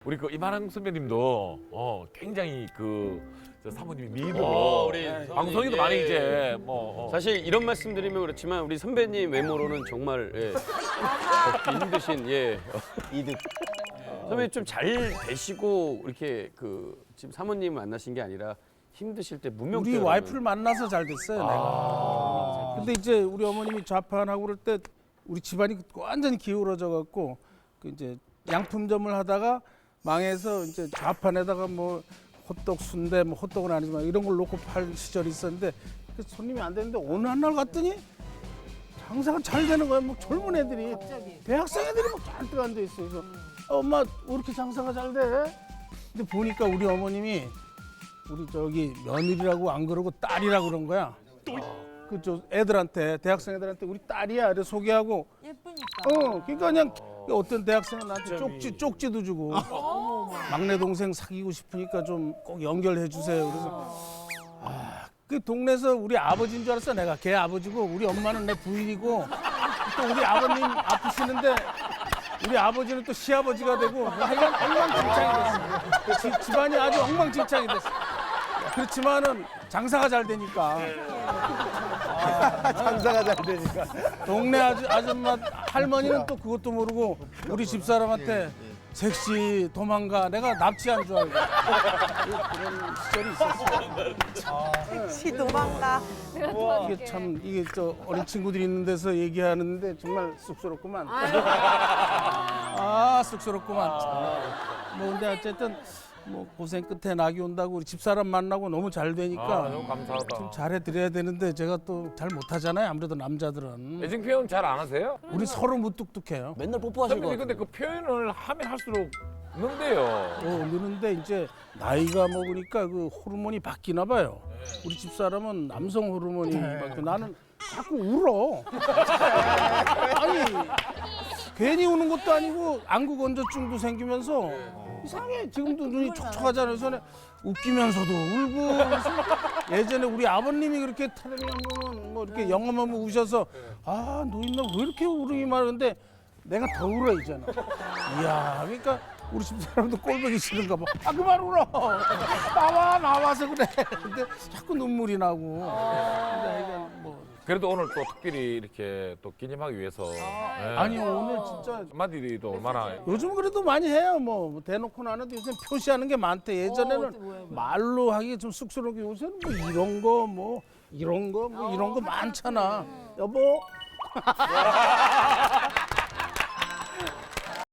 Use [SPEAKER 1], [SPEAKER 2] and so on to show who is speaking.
[SPEAKER 1] 우리 그 이만한 선배님도 굉장히 저 사모님이 미인으로
[SPEAKER 2] 우리
[SPEAKER 1] 방송에도 많이 이제
[SPEAKER 2] 사실 이런 말씀드리면 그렇지만 우리 선배님 외모로는 정말 걷기 힘드신
[SPEAKER 3] 이득.
[SPEAKER 2] 선배님 좀 잘 되시고 이렇게 지금 사모님 만나신 게 아니라 힘드실 때 문명
[SPEAKER 4] 우리 와이프를 만나서 잘 됐어요. 내가. 근데 이제 우리 어머님이 좌판하고 그럴 때 우리 집안이 완전히 기울어져 갖고 이제 양품점을 하다가 망해서 이제 좌판에다가 뭐 호떡 순대 뭐 호떡은 아니지만 이런 걸 놓고 팔 시절이 있었는데 손님이 안 되는데 어느 한 날 갔더니 장사가 잘 되는 거야. 뭐 젊은 애들이 대학생 애들이 막 잔뜩 앉아 있어. 그래서 엄마 왜 이렇게 장사가 잘 돼? 근데 보니까 우리 어머님이 우리 저기 며느리라고 안 그러고 딸이라고 그런 거야. 저 애들한테 대학생 애들한테 우리 딸이야. 이래 소개하고.
[SPEAKER 5] 예쁘니까.
[SPEAKER 4] 그러니까 그냥 어떤 대학생은 나한테 쪽지도 주고 막내 동생 사귀고 싶으니까 좀 꼭 연결해 주세요. 그래서 그 동네에서 우리 아버지인 줄 알았어. 내가 걔 아버지고 우리 엄마는 내 부인이고 또 우리 아버님 아프시는데 우리 아버지는 또 시아버지가 되고 하여간 엉망진창이 됐어. 집안이 아주 엉망진창이 됐어. 그렇지만은 장사가 잘 되니까
[SPEAKER 3] 장사가 잘 되니까.
[SPEAKER 4] 동네 아줌마 할머니는 또 그것도 모르고 우리 집사람한테 섹시 도망가 내가 납치한 줄 알고 그런 시절이 있었어요.
[SPEAKER 5] 시 도망가.
[SPEAKER 4] 이게 참 이게 저 어린 친구들이 있는 데서 얘기하는데 정말 쑥스럽구만. 쑥스럽구만. 뭐 근데 어쨌든 뭐 고생 끝에 낙이 온다고 우리 집사람 만나고 너무 잘 되니까
[SPEAKER 1] 너무 감사하다.
[SPEAKER 4] 좀 잘해드려야 되는데 제가 또 잘 못하잖아요. 아무래도 남자들은
[SPEAKER 1] 애증 표현 잘 안 하세요?
[SPEAKER 4] 우리 서로 무뚝뚝해요.
[SPEAKER 3] 맨날 뽀뽀하실 거
[SPEAKER 1] 선배님 근데 그 표현을 하면 할수록 는데요.
[SPEAKER 4] 느는데 이제 나이가 먹으니까 그 호르몬이 바뀌나 봐요. 우리 집사람은 남성 호르몬이 바뀌고 나는 자꾸 울어. 아니 괜히 우는 것도 아니고 안구 건조증도 생기면서 이상해. 지금도 눈이 촉촉하잖아요. 전에 웃기면서도 울고. 그래서 예전에 우리 아버님이 그렇게 타령이 한번 뭐 이렇게 영험하면 우셔서 아 노인네 왜 이렇게 울음이 많은데 내가 더 울어 이제는. 이야 그러니까 우리 집사람도 꼴보기 싫은가 봐. 그만 울어. 나와서 그래. 근데 자꾸 눈물이 나고. 근데 하여간 뭐
[SPEAKER 1] 그래도 오늘 또 특별히 이렇게 또 기념하기 위해서
[SPEAKER 4] 아니 오늘 진짜
[SPEAKER 1] 한마디도 얼마나
[SPEAKER 4] 요즘 그래도 많이 해요. 뭐 대놓고는 안 해도 요새 표시하는 게 많대. 예전에는 말로 하기 좀 쑥스럽게 요새는 뭐 이런 거 뭐 이런 거 뭐 이런 거 많잖아. 여보.